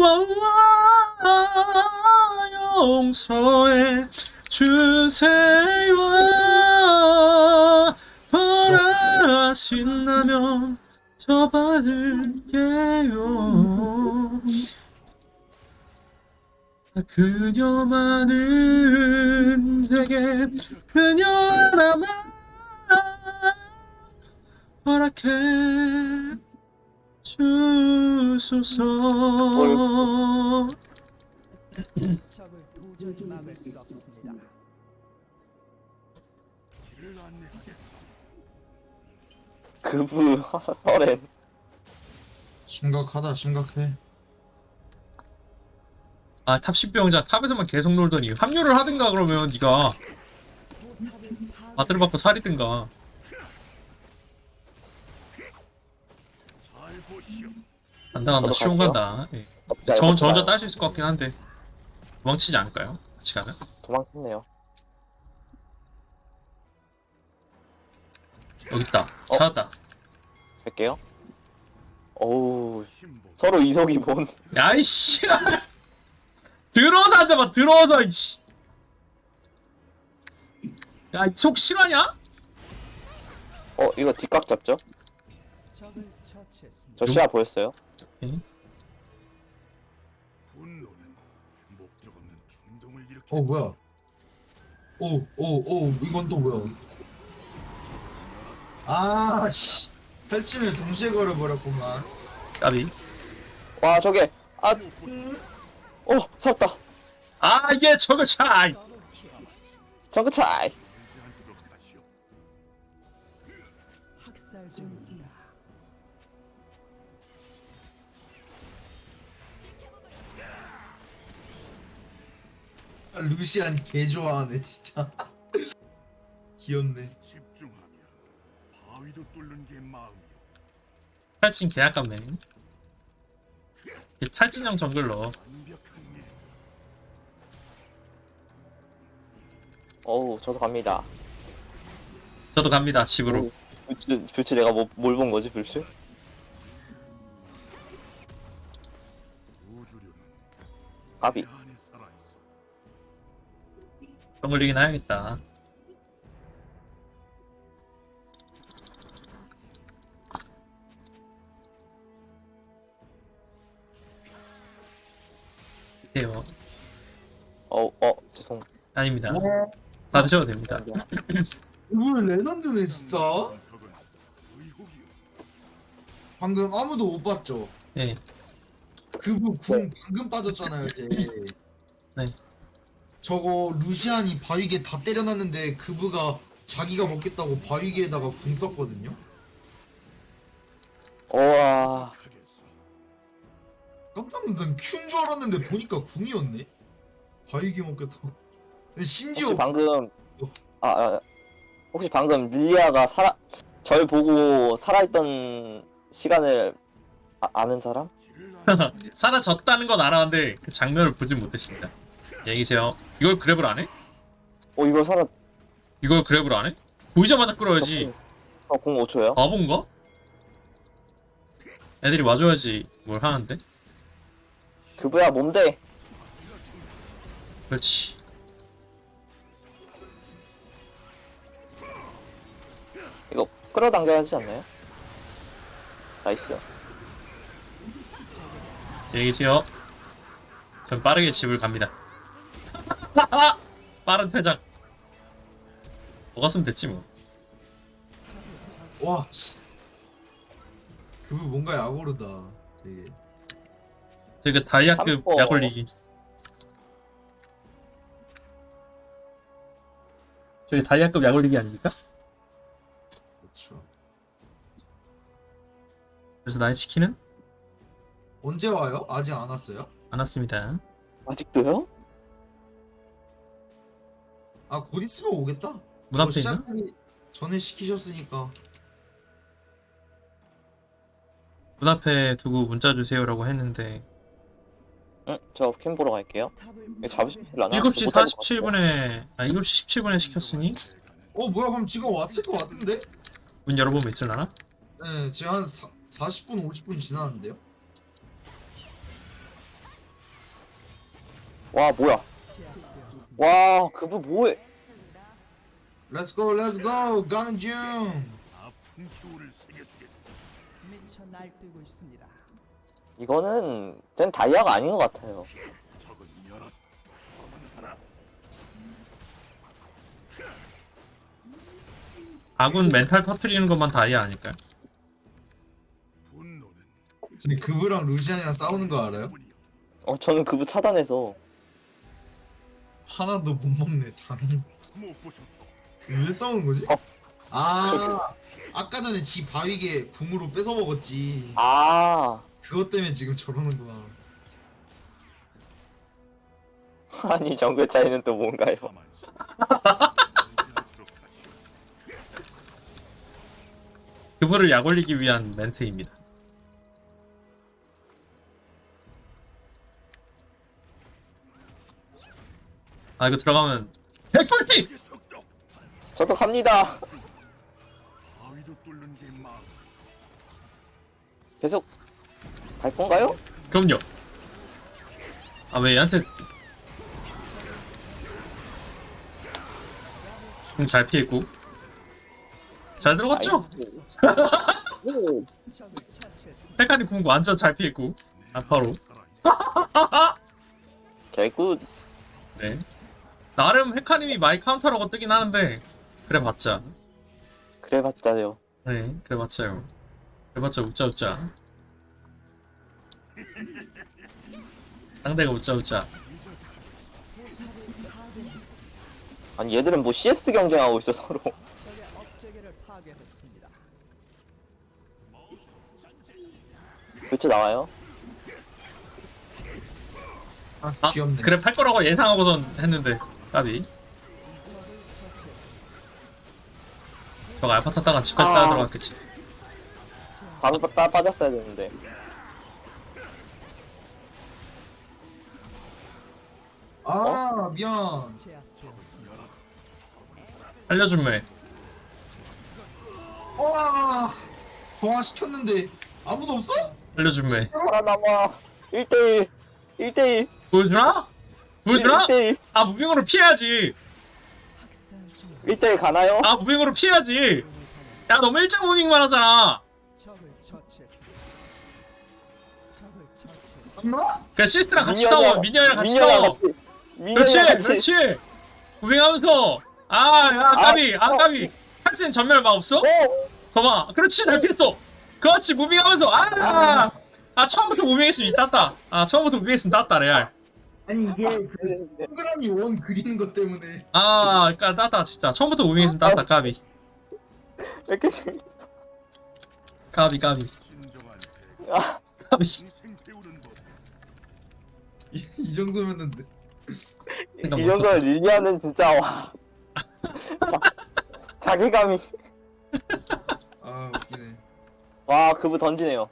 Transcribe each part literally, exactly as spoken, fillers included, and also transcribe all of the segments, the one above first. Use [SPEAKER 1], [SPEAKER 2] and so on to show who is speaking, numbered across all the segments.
[SPEAKER 1] 와와 용서해 주세요. 바라신다면 저 받을게요. 그녀만은 제게 그녀 하나만 허락해 주소서.
[SPEAKER 2] 적을 도저히 막을 수 없습니다.
[SPEAKER 3] 그부 서렌.
[SPEAKER 4] 심각하다 심각해.
[SPEAKER 1] 아, 탑 십병자 탑에서만 계속 놀더니 합류를 하든가. 그러면 네가 아들을 받고 살이든가. 간다 간다.
[SPEAKER 3] 저도
[SPEAKER 1] 쉬운
[SPEAKER 3] 갈게요.
[SPEAKER 1] 간다. 예.
[SPEAKER 3] 자,
[SPEAKER 1] 저,
[SPEAKER 3] 이거
[SPEAKER 1] 저 혼자
[SPEAKER 3] 봐요.
[SPEAKER 1] 딸 수 있을 것 같긴 한데 도망치지 않을까요? 같이 가면?
[SPEAKER 3] 도망쳤네요.
[SPEAKER 1] 여기 있다.
[SPEAKER 3] 어?
[SPEAKER 1] 찾았다.
[SPEAKER 3] 갈게요. 어우, 서로 이속이 뭔.
[SPEAKER 1] 야이씨. 들어서 앉아봐. 들어서 이씨. 야, 속 실화냐?
[SPEAKER 3] 어, 이거 뒷각 잡죠?
[SPEAKER 2] 적을 처치했습니다.
[SPEAKER 3] 저 시야 보였어요?
[SPEAKER 5] 분노는 목적 없는 충동을 일으키.
[SPEAKER 4] 어 뭐야? 오 오 오 이건 또 뭐야? 아씨 탈진을 동시에 걸어버렸구만.
[SPEAKER 1] 까비.
[SPEAKER 3] 와, 저게. 아, 어, 살았다.
[SPEAKER 1] 아, 이게 저거 차이.
[SPEAKER 3] 정크 차이.
[SPEAKER 5] 인지한테도 다시요.
[SPEAKER 2] 학살 중입니다.
[SPEAKER 4] 아, 루시안 개 좋아하네 진짜. 귀엽네.
[SPEAKER 5] 집중하면 바위도 뚫는 게 마음이요.
[SPEAKER 1] 탈진 개 아깝네. 이 탈진형 정글러.
[SPEAKER 5] 완벽한 일.
[SPEAKER 3] 어우, 저도 갑니다.
[SPEAKER 1] 저도 갑니다. 집으로.
[SPEAKER 3] 불치, 불치 내가 뭐, 뭘 본 거지, 불치?
[SPEAKER 5] 우주류는
[SPEAKER 3] 까비.
[SPEAKER 5] 내 안에 살아있어.
[SPEAKER 1] 정글리긴 해야겠다. 돼요.
[SPEAKER 3] 어, 어, 죄송.
[SPEAKER 1] 아닙니다. 받으셔도 됩니다.
[SPEAKER 4] 오늘 레전드네 진짜.
[SPEAKER 5] 적은 의혹이요.
[SPEAKER 4] 방금 아무도 못 봤죠?
[SPEAKER 1] 예.
[SPEAKER 4] 그분 궁 방금 빠졌잖아요 이제.
[SPEAKER 1] 네.
[SPEAKER 4] 저거 루시안이 바위게 다 때려놨는데 그부가 자기가 먹겠다고 바위게에다가 궁 썼거든요.
[SPEAKER 3] 우와.
[SPEAKER 5] 하겠어.
[SPEAKER 4] 깜짝 놀란 큐인 줄 알았는데 보니까 궁이었네. 바위게 먹겠다고. 근데 심지어
[SPEAKER 3] 혹시 방금, 아, 아, 혹시 방금 릴리아가 살아, 절 보고 살아있던 시간을 아, 아는 사람?
[SPEAKER 5] 길을 안
[SPEAKER 1] 사라졌다는 건 알았는데 그 장면을 보진 못했습니다. 안녕히 계세요. 이걸 그랩을 안 해?
[SPEAKER 3] 어, 이걸 살아,
[SPEAKER 1] 이걸 그랩을 안 해? 보이자마자 끌어야지.
[SPEAKER 3] 어, 공 오 초요?
[SPEAKER 1] 바본가? 애들이 와줘야지 뭘 하는데?
[SPEAKER 3] 그부야, 뭔데?
[SPEAKER 1] 그렇지.
[SPEAKER 3] 이거 끌어당겨야 하지 않나요? 나이스.
[SPEAKER 1] 안녕히 계세요. 전 빠르게 집을 갑니다. 빠른 퇴장. 먹었으면 됐지 뭐.
[SPEAKER 4] 와. 그부 뭔가 약오르다. 되게.
[SPEAKER 1] 저기 다이아급
[SPEAKER 3] 삼포.
[SPEAKER 1] 약 올리기. 저기 다이아급 약 올리기 아닙니까?
[SPEAKER 4] 그렇죠.
[SPEAKER 1] 그래서 나의 치킨은
[SPEAKER 4] 언제 와요? 아직 안 왔어요?
[SPEAKER 1] 안 왔습니다.
[SPEAKER 3] 아직도요?
[SPEAKER 4] 아 곧 있으면 오겠다.
[SPEAKER 1] 문 앞에 있나?
[SPEAKER 4] 시작하기 전에 시키셨으니까.
[SPEAKER 1] 문 앞에 두고 문자 주세요라고 했는데
[SPEAKER 3] 응, 저 캠 보러 갈게요.
[SPEAKER 2] 탑을
[SPEAKER 3] 이거 잡으실라나?
[SPEAKER 1] 일곱 시 사십칠 분에 아 일곱 시 십칠 분에 시켰으니
[SPEAKER 4] 어 뭐야 그럼 지금 왔을 것 같은데?
[SPEAKER 1] 문 열어보면 있을라나?
[SPEAKER 4] 네 지금 한 사, 사십 분 오십 분 지났는데요?
[SPEAKER 3] 와 뭐야?
[SPEAKER 2] 제압되었습니다.
[SPEAKER 3] 와 그부 뭐해?
[SPEAKER 4] Let's go, let's go. 가는 중.
[SPEAKER 5] 아픈 기호를 새겨주겠어.
[SPEAKER 2] 미쳐 날뛰고 있습니다.
[SPEAKER 3] 이거는 쟨 다이아가 아닌 것 같아요.
[SPEAKER 5] 적은 여럿, 검은 하나.
[SPEAKER 1] 아군 멘탈 터트리는 것만 다이아 아닐까요?
[SPEAKER 5] 분노는
[SPEAKER 4] 근데 그브랑 루시안이랑 싸우는 거 알아요?
[SPEAKER 5] 뿐이여.
[SPEAKER 3] 어 저는 그부 차단해서
[SPEAKER 4] 하나도 못 먹네. 장.
[SPEAKER 5] 못 보셨소.
[SPEAKER 4] 왜 싸우는 거지?
[SPEAKER 3] 어.
[SPEAKER 4] 아, 아까 전에 지 바위게 궁으로 뺏어 먹었지.
[SPEAKER 3] 아
[SPEAKER 4] 그것 때문에 지금 저러는구나.
[SPEAKER 3] 아니 정글 차이는 또 뭔가요?
[SPEAKER 5] 가만히 있어. 정진하도록 하시오.
[SPEAKER 1] 그분을 약올리기 위한 멘트입니다. 아 이거 들어가면 백돌티!
[SPEAKER 5] 의 속도.
[SPEAKER 3] 저도 갑니다.
[SPEAKER 5] 바위도 뚫는 게 마음.
[SPEAKER 3] 계속 갈 건가요?
[SPEAKER 1] 그럼요. 아 왜 얘한테 음, 잘 피했고 잘 들어갔죠?
[SPEAKER 3] 나이스. 오.
[SPEAKER 2] 적을 처치했습니다.
[SPEAKER 1] 페카니 궁 완전 잘 피했고 아파로.
[SPEAKER 5] 살아있어.
[SPEAKER 3] 개굿.
[SPEAKER 1] 네. 나름 헤카님이 많이 카운터라고 뜨긴 하는데 그래봤자.
[SPEAKER 3] 그래봤자요.
[SPEAKER 1] 네, 그래봤자요. 그래봤자 웃자 웃자. 상대가 웃자 웃자.
[SPEAKER 3] 아니 얘들은 뭐 씨에스 경쟁하고 있어 서로.
[SPEAKER 2] 적의 업체계를 파괴했습니다.
[SPEAKER 3] 교체 나와요?
[SPEAKER 4] 아,
[SPEAKER 1] 아,
[SPEAKER 4] 귀엽네.
[SPEAKER 1] 그래 팔 거라고 예상하고선 했는데 까비.
[SPEAKER 2] 적을 처치했습니다.
[SPEAKER 1] 저가 알파 탔다가 집까지
[SPEAKER 3] 아.
[SPEAKER 1] 따라 들어갔겠지.
[SPEAKER 3] 바로 빠, 빠졌어야 되는데.
[SPEAKER 4] 아, 미안.
[SPEAKER 2] 제압되었습니다.
[SPEAKER 1] 살려준매.
[SPEAKER 4] 와, 동화 시켰는데 아무도 없어?
[SPEAKER 1] 살려준매.
[SPEAKER 3] 살아남아. 일 대일. 일 대일.
[SPEAKER 1] 보여주나? 보여주나?
[SPEAKER 3] 일 대일.
[SPEAKER 1] 아 무빙으로 피해야지.
[SPEAKER 2] 학살 중
[SPEAKER 3] 일 대일 가나요?
[SPEAKER 1] 아 무빙으로 피해야지. 야 너무 일장 무빙만 하잖아.
[SPEAKER 2] 적을 처치했습니다. 적을 처치했습니다.
[SPEAKER 4] 엄마?
[SPEAKER 1] 그냥 시스트랑 같이
[SPEAKER 3] 미니언이랑-
[SPEAKER 1] 싸워. 미니언이랑 같이
[SPEAKER 3] 미니언이랑
[SPEAKER 1] 싸워.
[SPEAKER 3] 같이- 미니언이랑
[SPEAKER 1] 그렇지,
[SPEAKER 3] 같이.
[SPEAKER 1] 그렇지. 무빙하면서 아, 야 까비, 아
[SPEAKER 3] 어.
[SPEAKER 1] 까비. 한치는 전멸 막 없어?
[SPEAKER 3] 오!
[SPEAKER 1] 봐봐. 그렇지, 잘 피했어. 그렇지, 무빙하면서 아, 아 처음부터 무빙했으면 땄다. 아 처음부터 무빙했으면 땄다 레알.
[SPEAKER 4] 아니 이게 그 동그라미 원 그리는 것 때문에.
[SPEAKER 1] 아, 그니까 땄다 진짜. 처음부터 무빙했으면 땄다 까비.
[SPEAKER 3] 왜 이렇게 재밌어?
[SPEAKER 1] 까비 까비
[SPEAKER 5] 진정한 대.
[SPEAKER 3] 아,
[SPEAKER 1] 까비.
[SPEAKER 5] 인생 배우는 법.
[SPEAKER 4] 이, 이 정도면은
[SPEAKER 3] 이 정도면 릴리아는 진짜 와. 자, 자기감이.
[SPEAKER 4] 아 웃기네.
[SPEAKER 3] 와 그부 던지네요.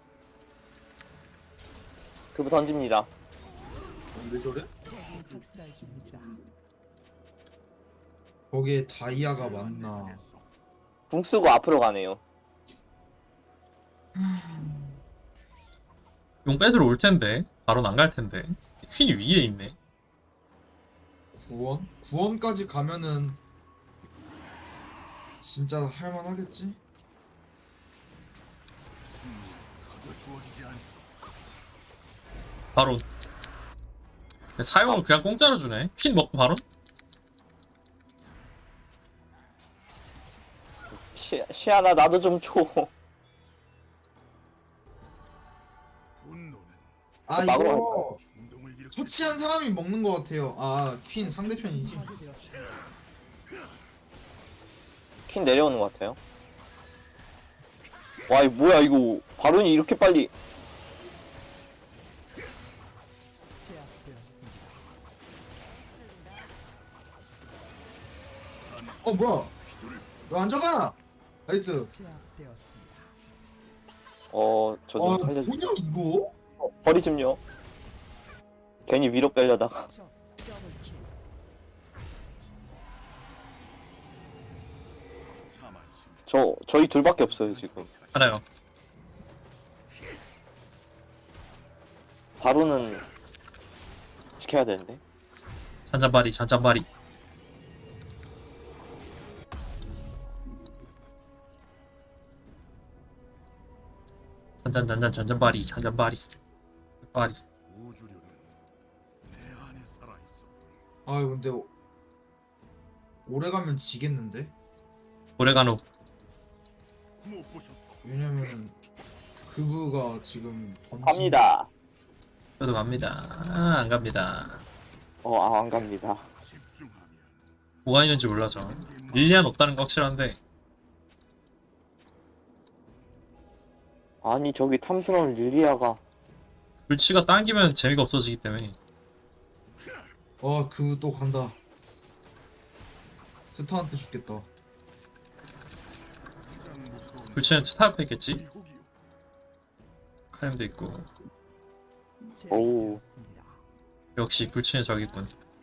[SPEAKER 3] 그부 던집니다.
[SPEAKER 4] 왜 저래?
[SPEAKER 2] 학살 중이다.
[SPEAKER 4] 거기에 다이아가 많나?
[SPEAKER 3] 궁 쓰고 앞으로 가네요.
[SPEAKER 1] 용 뺏으러 올 텐데 바로는 안 갈 텐데. 퀸이 위에 있네.
[SPEAKER 4] 구원? 구원까지 가면은 진짜 할만하겠지?
[SPEAKER 5] 주어지지 않소.
[SPEAKER 1] 바로. 사용을 그냥 공짜로 주네. 퀸 먹고 바로.
[SPEAKER 3] 시, 시아나 나도 좀 줘.
[SPEAKER 5] 분노는
[SPEAKER 4] 아
[SPEAKER 3] 막으러
[SPEAKER 4] 이거
[SPEAKER 5] 운동을 일으켜.
[SPEAKER 4] 처치한 사람이 먹는 것 같아요. 아 퀸 상대편이지.
[SPEAKER 2] 파괴되었습니다.
[SPEAKER 3] 퀸 내려오는 것 같아요. 와 이거 뭐야 이거 바론이 이렇게 빨리.
[SPEAKER 2] 제압되었습니다.
[SPEAKER 4] 어 뭐야? 왜 안 잡아? 나이스.
[SPEAKER 2] 제압되었습니다.
[SPEAKER 3] 어 저 좀
[SPEAKER 4] 아
[SPEAKER 3] 살려줘.
[SPEAKER 4] 뭐냐 이거?
[SPEAKER 3] 어, 버리 좀요. 괜히 위로 빼려다가.
[SPEAKER 2] 적 더블킬.
[SPEAKER 5] 참아 심.
[SPEAKER 3] 저 저희 둘밖에 없어요 지금.
[SPEAKER 1] 알아요.
[SPEAKER 3] 바로는 지켜야 되는데.
[SPEAKER 1] 잔잔바리 잔잔바리. 잔잔 잔잔 잔잔바리 잔잔바리 바리.
[SPEAKER 5] 우주류는 내 안에 살아 있어.
[SPEAKER 4] 아 근데 오- 오래 가면 지겠는데?
[SPEAKER 1] 오레가노.
[SPEAKER 5] 못 보셨어.
[SPEAKER 4] 왜냐면 그부가 지금 던진
[SPEAKER 3] 갑니다.
[SPEAKER 1] 저도 갑니다. 아, 안 갑니다.
[SPEAKER 3] 어, 아, 안 갑니다.
[SPEAKER 5] 집중하면
[SPEAKER 1] 뭐가 있는지 몰라서. 릴리안 없다는 거 확실한데
[SPEAKER 3] 아니, 저기 탐스러운 릴리아가.
[SPEAKER 1] 불치가 당기면 재미가 없어지기 때문에.
[SPEAKER 4] 아 그부 또 간다. 스타한테 죽겠다.
[SPEAKER 5] 가장 무서운
[SPEAKER 1] 불치는 스타프 했겠지?
[SPEAKER 5] 미국이요.
[SPEAKER 1] 카렘도 있고.
[SPEAKER 3] 오우.
[SPEAKER 2] 제압되었습니다.
[SPEAKER 1] 역시 불치는 저기군.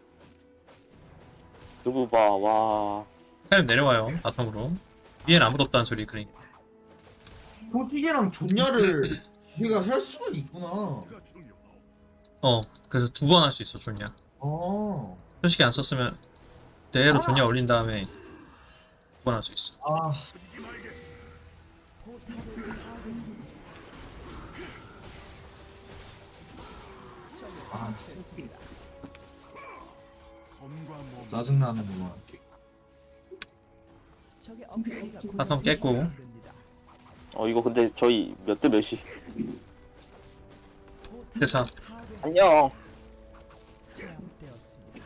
[SPEAKER 3] 누구 봐, 와.
[SPEAKER 1] 카렘 내려와요 바텀으로. 위엔 아무도 없다는 소리. 그러니까
[SPEAKER 4] 소지개랑 존냐를 우리가 할 수가 있구나.
[SPEAKER 5] 가 중요하오.
[SPEAKER 1] 어 그래서 두 번 할 수 있어 존냐.
[SPEAKER 4] 아,
[SPEAKER 1] 솔직히 안 썼으면 대로 존냐 올린 다음에 두 번 할 수 있어.
[SPEAKER 4] 아
[SPEAKER 5] 터지지 말게.
[SPEAKER 2] 포탑을 파괴했습니다. 적을
[SPEAKER 4] 아.
[SPEAKER 2] 처치했습니다.
[SPEAKER 5] 검과 몸.
[SPEAKER 4] 짜증나는구만.
[SPEAKER 2] 적의 엄청이가
[SPEAKER 1] 바텀 깼고.
[SPEAKER 2] 됩니다.
[SPEAKER 3] 어, 이거 근데 저희 몇 대 몇이.
[SPEAKER 2] 포탑을
[SPEAKER 1] 대사.
[SPEAKER 2] 파괴-
[SPEAKER 3] 안녕.
[SPEAKER 2] 제압되었습니다.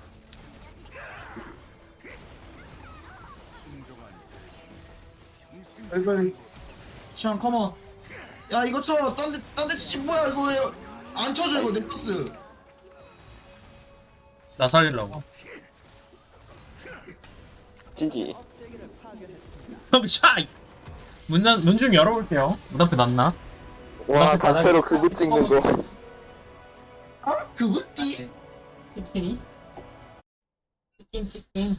[SPEAKER 5] 순종한
[SPEAKER 4] 빨리 빨리. 시안 컴온. 야 이거 쳐. 딴데 딴데 치지 뭐야 이거 왜 안 쳐줘 이거 넥서스.
[SPEAKER 1] 나 살리려고.
[SPEAKER 3] 지지.
[SPEAKER 2] 억제기를 파괴했습니다.
[SPEAKER 1] 형 샤이. 문좀 문 좀 열어볼게요. 문 앞에 놨나?
[SPEAKER 3] 와, 단체로 그거 찍는 거.
[SPEAKER 4] 그부 띠.
[SPEAKER 1] 치킨이? 치킨 치킨.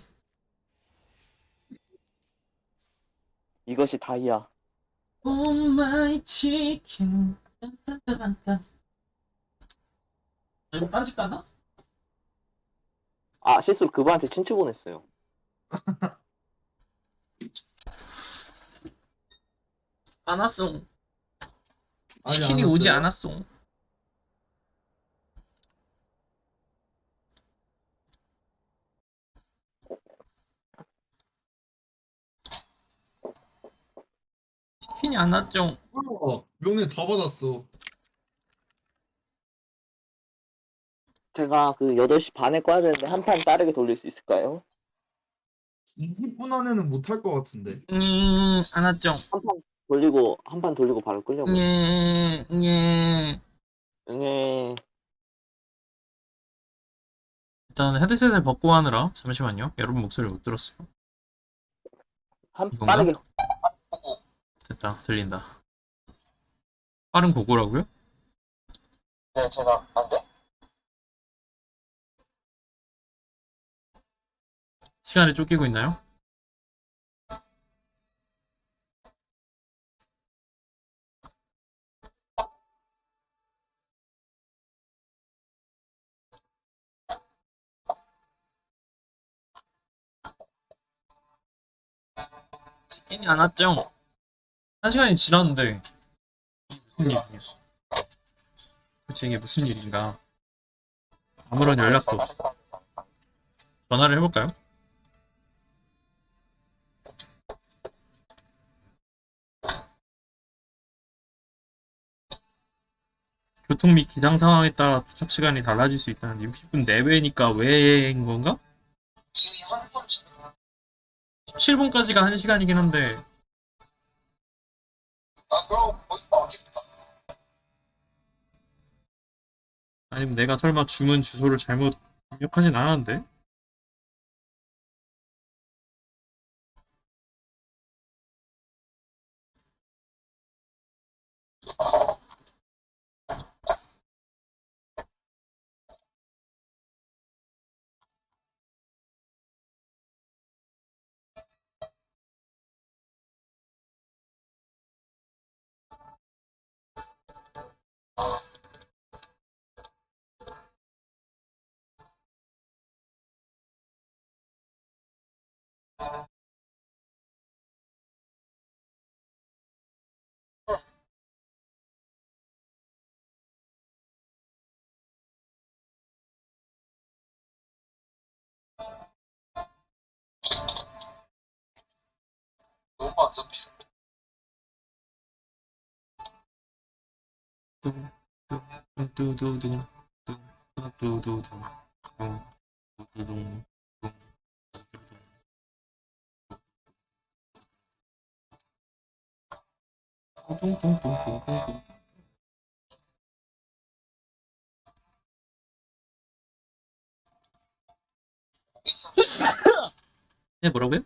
[SPEAKER 3] 이것이 다이아.
[SPEAKER 1] Oh my chicken. 딴딴딴딴. 이거 딴집 갔나?
[SPEAKER 3] 아, 실수로 그분한테 친추 보냈어요.
[SPEAKER 1] 안 왔어.
[SPEAKER 4] 아직
[SPEAKER 1] 치킨이
[SPEAKER 4] 안
[SPEAKER 1] 오지
[SPEAKER 4] 왔어요?
[SPEAKER 1] 않았어. 치킨이 안 왔죠.
[SPEAKER 4] 어, 명예 다 받았어.
[SPEAKER 3] 제가 그 여덟 시 반에 꺼야 되는데 한 판 빠르게 돌릴 수 있을까요?
[SPEAKER 4] 이십 분 안에는 못 할 것 같은데.
[SPEAKER 1] 음, 안 왔죠.
[SPEAKER 3] 한 판 돌리고, 한 판 돌리고 바로 끌려고.
[SPEAKER 1] 예, 예.
[SPEAKER 3] 네.
[SPEAKER 1] 일단 헤드셋을 벗고 하느라 잠시만요. 여러분 목소리 못 들었어요.
[SPEAKER 3] 한
[SPEAKER 1] 이건가?
[SPEAKER 3] 빠르게.
[SPEAKER 1] 됐다, 들린다. 빠른 고고라고요?
[SPEAKER 3] 네, 제가 안 돼?
[SPEAKER 1] 시간에 쫓기고 있나요? 치킨이 안 왔죠? 한 시간이 지났는데 무슨 일이야? 도대체 이게 무슨 일인가? 아무런 연락도 없어. 전화를 해볼까요? 교통 및 기상 상황에 따라 도착 시간이 달라질 수 있다는데 육십 분 내외니까 왜인 건가? 십칠 분까지가 한 시간이긴 한데 아니면 내가 설마 주문 주소를 잘못 입력하진 않았는데?
[SPEAKER 4] 너무 안 잡혀.
[SPEAKER 1] 뚱뚱뚱뚱뚱 뚱뚱뚱뚱 뚱뚱뚱 뚱뚱뚱뚱뚱. 네, 뭐라고요?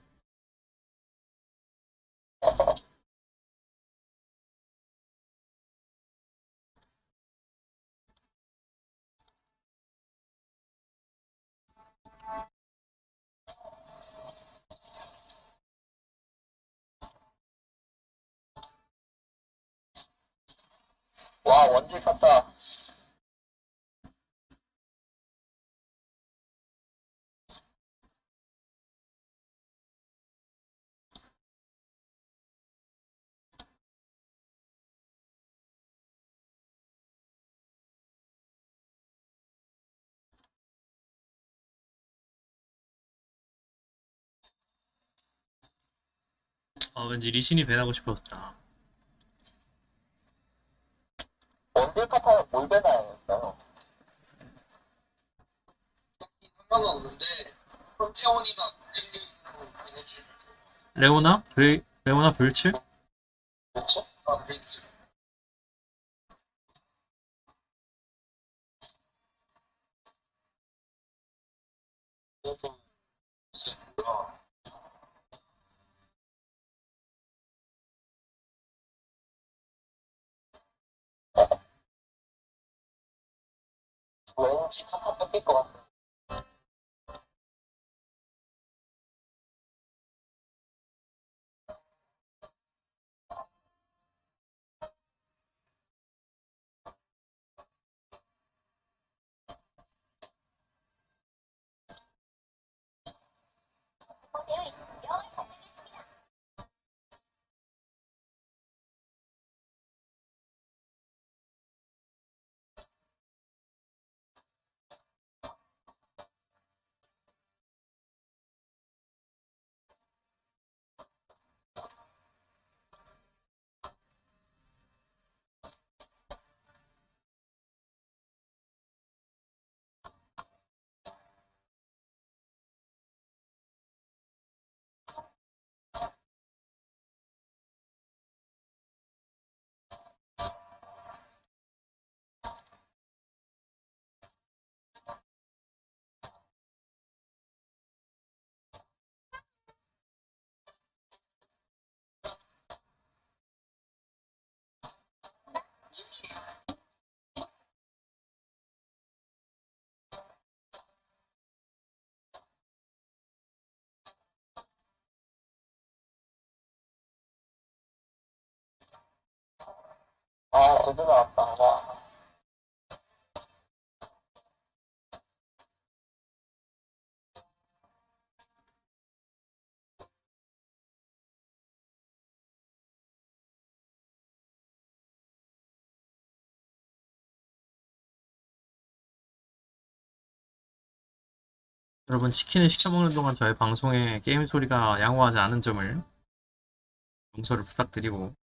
[SPEAKER 3] 와, 원딜 탔다.
[SPEAKER 1] 아, 왠지 리신이 배나고 싶었다.
[SPEAKER 3] 원딜 카타는 뭘 배나요?
[SPEAKER 4] 상관은 없는데 프로테온이나 릴리로 보내주면 좋을 것 같아.
[SPEAKER 1] 레오나? 브레, 레오나 불츠?
[SPEAKER 3] 그렇죠?
[SPEAKER 4] 아, 브레이크. 무슨 뭐야?
[SPEAKER 3] 왠지 카타 뺏길 것 같아. 아, 제대로 나왔다. 와.
[SPEAKER 1] 여러분, 치킨을 시켜먹는 동안 저의 방송에 게임 소리가 양호하지 않은 점을 용서를 부탁드리고